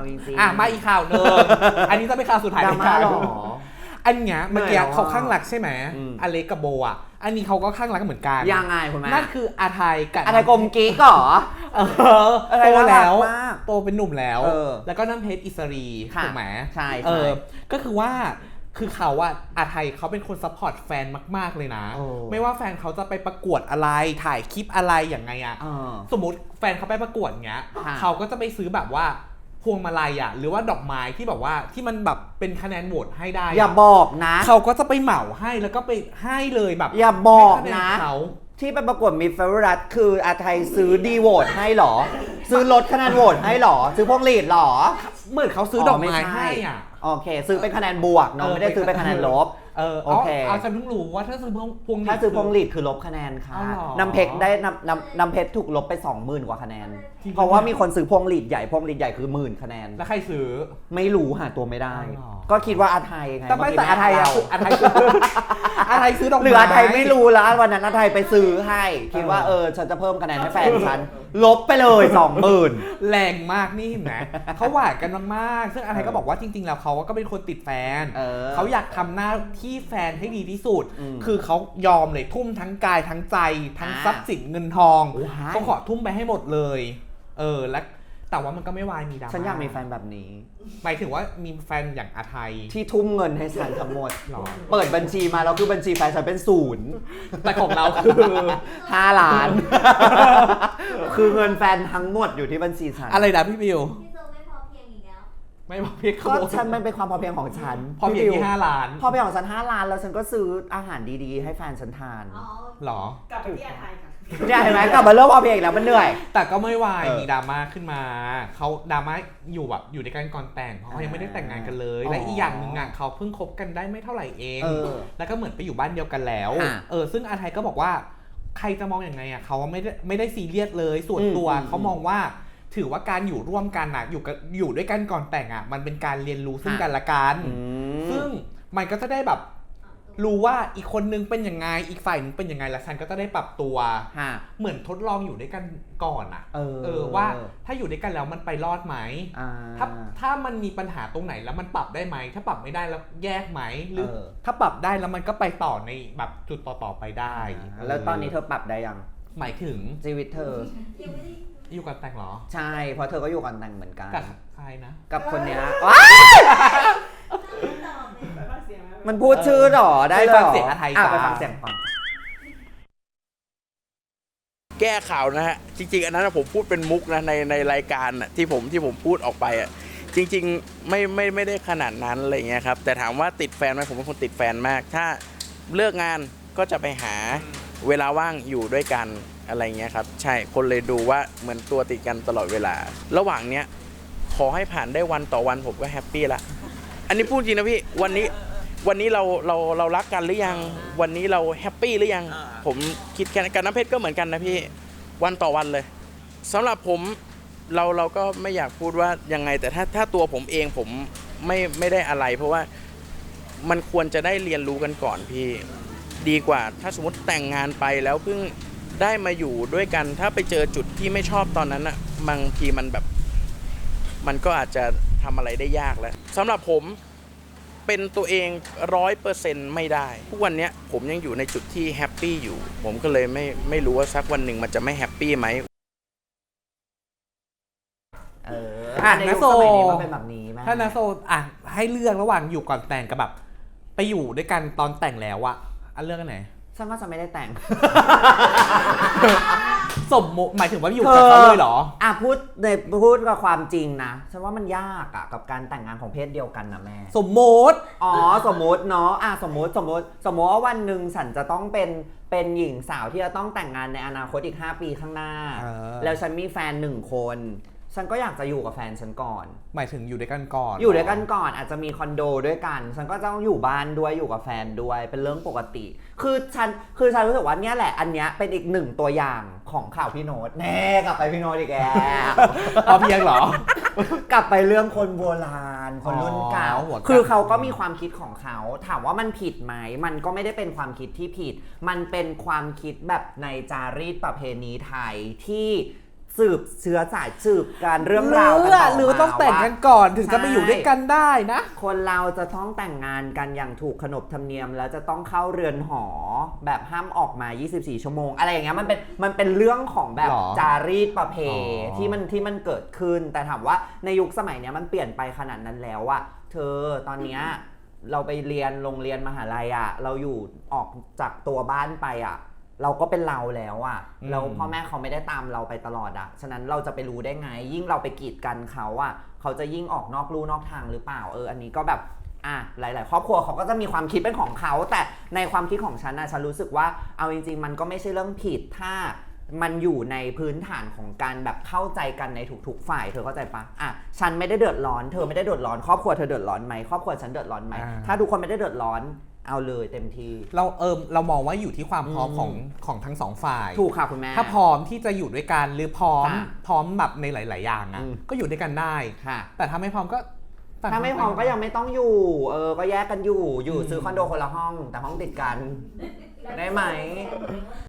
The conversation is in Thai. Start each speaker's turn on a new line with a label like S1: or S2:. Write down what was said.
S1: จริงๆ
S2: มาอีกข่าวนึงอันนี้จะเป็นข่าวสุดท้าย
S1: ดราม่าหรอ
S2: อันเนี้ยเมื่อกี้เขาข้างรักใช่ไหมอเล็กกับโบอ่ะอันนี้เขาก็ข้างรักเหมือนกัน
S1: ยังไงคุณแม่
S2: นั่นคืออาไทยกับ
S1: อาไทยกลมกิ๊กเหรอ
S2: โตแล้วโตเป็นหนุ่มแล้วแล้วก็น้ำเพชรอิสรีถูกไหม
S1: ใช่
S2: ก็คือว่าคือเขาว่าอาไทยเขาเป็นคนซัพพอร์ตแฟนมากๆเลยนะไม่ว่าแฟนเขาจะไปประกวดอะไรถ่ายคลิปอะไรอย่างไงอะสมมติแฟนเขาไปประกวดเงี้ยเขาก็จะไปซื้อแบบว่าพวงมาลัยหรือว่าดอกไม้ที่แบบว่าที่มันแบบเป็นคะแนนโหวตให้ได้
S1: อย่าบอกนะ
S2: เขาก็จะไปเหมาให้แล้วก็ไปให้เลยแบบ
S1: อย่าบอกนะที่ไปประกวดมิสเฟอร์รัสคืออาไทยซื้อดีโหวตให้หรอซื้อลดคะแนนโหวตให้หรอซื้อพวงหลีดหรอ
S2: เหมือนเขาซื้อดอกไม้ให้
S1: โอเคซื้อเป็นคะแนนบวกเนาะไม่ได้ซื้อเป็นคะแนนลบโอเค
S2: ฉันเพิ่งรู้ว่าถ้าซื้อพวงหลีด
S1: ถ้าซื้อพวงหลีดคือลบคะแนนค่ะน้ำเพชรได้น้ำเพชรถูกลบไป 20,000 กว่าคะแนนเพราะว่ามีคนซื้อพวงหลีดใหญ่พวงหลีดใหญ่คือ10,000 คะแนน
S2: แล้วใครซื้อ
S1: ไม่รู้หาตัวไม่ได้ก็คิดว่าอาไทยไง
S2: แต่อาไทยอาไทยซื้อดอกไม้
S1: หรืออาไทยไม่รู้แล้ววันนั้นอาไทยไปซื้อให้คิดว่าฉันจะเพิ่มคะแนนให้แฟนฉันลบไปเลย 20,000
S2: แรงมากนี่เห็นไหมเขาหวานกันมากๆซึ่งอาไทยก็บอกว่าจริงๆแล้วเขาก็เป็นคนติดแฟนเขาอยากทำหน้าที่แฟนให้ดีที่สุดคือเขายอมเลยทุ่มทั้งกายทั้งใจทั้งทรัพย์สินเงินทองเขาขอทุ่มไปให้หมดเลยและแต่ว่ามันก็ไม่วายมีดราม่า
S1: ฉันอยากมีแฟนแบบนี้
S2: หมายถึงว่ามีแฟนอย่างอาไทย
S1: ที่ทุ่มเงินให้ฉันทั้งหมดเปิดบัญชีมาแล้วคือบัญชีแฟนฉันเป็น0
S2: แต่ของเราคือ
S1: 5 ล้านคือเงินแฟนทั้งหมดอยู่ที่บัญชีฉัน
S2: อะไรนะพี่บิว
S1: ไม่พอเพียงก็ฉันมันเป็นความพอเพียงของฉัน
S2: พอเพียงที่5 ล้าน
S1: พอเพียงของฉัน5 ล้านแล้วฉันก็ซื้ออาหารดีๆให้แฟนฉันทาน
S2: หร
S3: อกลับไปที่อาไทยค่ะ
S1: เนี่ยเห็นไหมกลับมาเริ่มพอเพียงแล้วมันเหนื่อย
S2: แต่ก็ไม่วายมีดราม่าขึ้นมาเขาดราม่าอยู่แบบอยู่ในการก่อนแต่งเพราะเขายังไม่ได้แต่งงานกันเลยและอีกอย่างหนึ่งเขาเพิ่งคบกันได้ไม่เท่าไหร่เองแล้วก็เหมือนไปอยู่บ้านเดียวกันแล้วซึ่งอาไทยก็บอกว่าใครจะมองอย่างไงเขาไม่ได้ซีเรียสเลยส่วนตัวเขามองว่าถือว่าการอยู่ร่วมกันอยู่ด้วยกันก่อนแต่งมันเป็นการเรียนรู้ซึ่งกันและกันซึ่งมันก็จะได้แบบรู้ว่าอีกคนนึงเป็นยังไงอีกฝ่ายนึงเป็นยังไงแล้วฉันก็จะได้ปรับตัวเหมือนทดลองอยู่ด้วยกันก่อนว่าถ้าอยู่ด้วยกันแล้วมันไปรอดไหมถ้ามันมีปัญหาตรงไหนแล้วมันปรับได้ไหมถ้าปรับไม่ได้แล้วแยกไหมหรือถ้าปรับได้แล้วมันก็ไปต่อในแบบจุดต่อไปได้
S1: แล้วตอนนี้เธอปรับได้ยัง
S2: หมายถึง
S1: ชีวิตเธอ
S2: อยู่กันแต่งเหรอ
S1: ใช่เพราะเธอก็อยู่กันแต่งเหมือนกัน
S2: กับใครนะ
S1: กับคนเนี้ยมันพูดชื่อหรอได้เลย
S2: ฟังเสียงอาไทย
S1: ไปฟังเสียงฟัง
S4: แก้ข่าวนะฮะจริงๆอันนั้นผมพูดเป็นมุกนะในรายการที่ผมพูดออกไปจริงๆไม่ได้ขนาดนั้นอะไรเงี้ยครับแต่ถามว่าติดแฟนไหมผมเป็นคนติดแฟนมากถ้าเลิกงานก็จะไปหาเวลาว่างอยู่ด้วยกันอะไรเงี้ยครับใช่คนเลยดูว่าเหมือนตัวติดกันตลอดเวลาระหว่างเนี้ยขอให้ผ่านได้วันต่อวันผมก็แฮปปี้ละอันนี้พูดจริงนะพี่วันนี้เรารักกันหรือยังวันนี้เราแฮปปี้หรือยังผมคิดแค่กันน้ำเพชรก็เหมือนกันนะพี่วันต่อวันเลยสำหรับผมเราก็ไม่อยากพูดว่ายังไงแต่ถ้าตัวผมเองผมไม่ได้อะไรเพราะว่ามันควรจะได้เรียนรู้กันก่อนพี่ดีกว่าถ้าสมมติแต่งงานไปแล้วเพิ่งได้มาอยู่ด้วยกันถ้าไปเจอจุดที่ไม่ชอบตอนนั้นบางทีมันแบบมันก็อาจจะทำอะไรได้ยากแล้วสำหรับผมเป็นตัวเอง 100% ไม่ได้ทุกวันนี้ผมยังอยู่ในจุดที่แฮปปี้อยู่ผมก็เลยไม่รู้ว่าสักวันหนึ่งมันจะไม่แฮปปี้ไหม
S1: นะโซมันเป็นแบบนี้ไหม
S2: ถ้านะโซให้เลือกระหว่างอยู่ก่อนแต่งกับแบบไปอยู่ด้วยกันตอนแต่งแล้วเลือกอันไหน
S1: ฉันว่าจะไม่ได้แต่ง
S2: สมมติหมายถึงว่าอยู่กับเขาเลยเหรอ
S1: พูดกับความจริงนะฉันว่ามันยากกับการแต่งงานของเพศเดียวกันนะแม่
S2: สมมติ
S1: สมมติเนาะสมมติว่าวันหนึ่งฉันจะต้องเป็นหญิงสาวที่จะต้องแต่งงานในอนาคตอีก5 ปีข้างหน้าแล้วฉันมีแฟน1 คนฉันก็อยากจะอยู่กับแฟนฉันก่อน
S2: หมายถึงอยู่ด้วยกันก่อน
S1: อาจจะมีคอนโดด้วยกันฉันก็ต้องอยู่บ้านด้วยอยู่กับแฟนด้วยเป็นเรื่องปกติคือฉันรู้สึกว่าเนี่ยแหละอันเนี้ยเป็นอีก1 ตัวอย่างของข่าวพี่โน้ตแน่กลับไปพี่โน้ตอีกแล้ว
S2: พอเพียงเหรอ
S1: กลับไปเรื่องคนโบราณคนรุ่นเก่าคือเขาก็มีความคิดของเขาถามว่ามันผิดไหมมันก็ไม่ได้เป็นความคิดที่ผิดมันเป็นความคิดแบบในจารีตประเพณีไทยที่สืบเชื้อสายสืบการเรื่องราวกันต่อมา
S2: หรือต้องแต่งกันก่อนถึงจะไปอยู่ด้วยกันได้นะ
S1: คนเราจะต้องแต่งงานกันอย่างถูกขนบธรรมเนียมแล้วจะต้องเข้าเรือนหอแบบห้ามออกมา 24 ชั่วโมงอะไรอย่างเงี้ยมันเป็นเรื่องของแบบ
S2: หรอ
S1: จารีตประเพที่มันเกิดขึ้นแต่ถามว่าในยุคสมัยเนี้ยมันเปลี่ยนไปขนาดนั้นแล้วอะเธอตอนเนี้ยเราไปเรียนโรงเรียนมหาลัยอะเราอยู่ออกจากตัวบ้านไปอะเราก็เป็นเราแล้วอะแล้วพ่อแม่เขาไม่ได้ตามเราไปตลอดอะฉะนั้นเราจะไปรู้ได้ไงยิ่งเราไปกีดกันเขาอะเขาจะยิ่งออกนอกลู่นอกทางหรือเปล่าอันนี้ก็แบบหลายๆครอบครัวเขาก็จะมีความคิดเป็นของเขาแต่ในความคิดของฉันนะฉันรู้สึกว่าเอาจริงๆมันก็ไม่ใช่เรื่องผิดถ้ามันอยู่ในพื้นฐานของการแบบเข้าใจกันในทุกๆฝ่ายเธอเข้าใจปะฉันไม่ได้เดือดร้อนเธอไม่ได้เดือดร้อนครอบครัวเธอเดือดร้อนไหมครอบครัวฉันเดือดร้อนไหมถ้าทุกคนไม่ได้เดือดร้อนเอาเลยเต็มที่
S2: เรามองว่าอยู่ที่ความพร้อมของทั้งสองฝ่าย
S1: ถูกค่ะคุณแม่
S2: ถ้าพร้อมที่จะอยู่ด้วยกันหรือพร้อมแบบในหลายๆอย่างก็อยู่ด้วยกันได้แต่ถ้าไม่พร้อมก็
S1: ถ้าไม่พร้อมก็ยังไม่ต้องอยู่ก็แยกกันอยู่ซื้อคอนโดคนละห้องแต่ห้องติดกันได้ไหม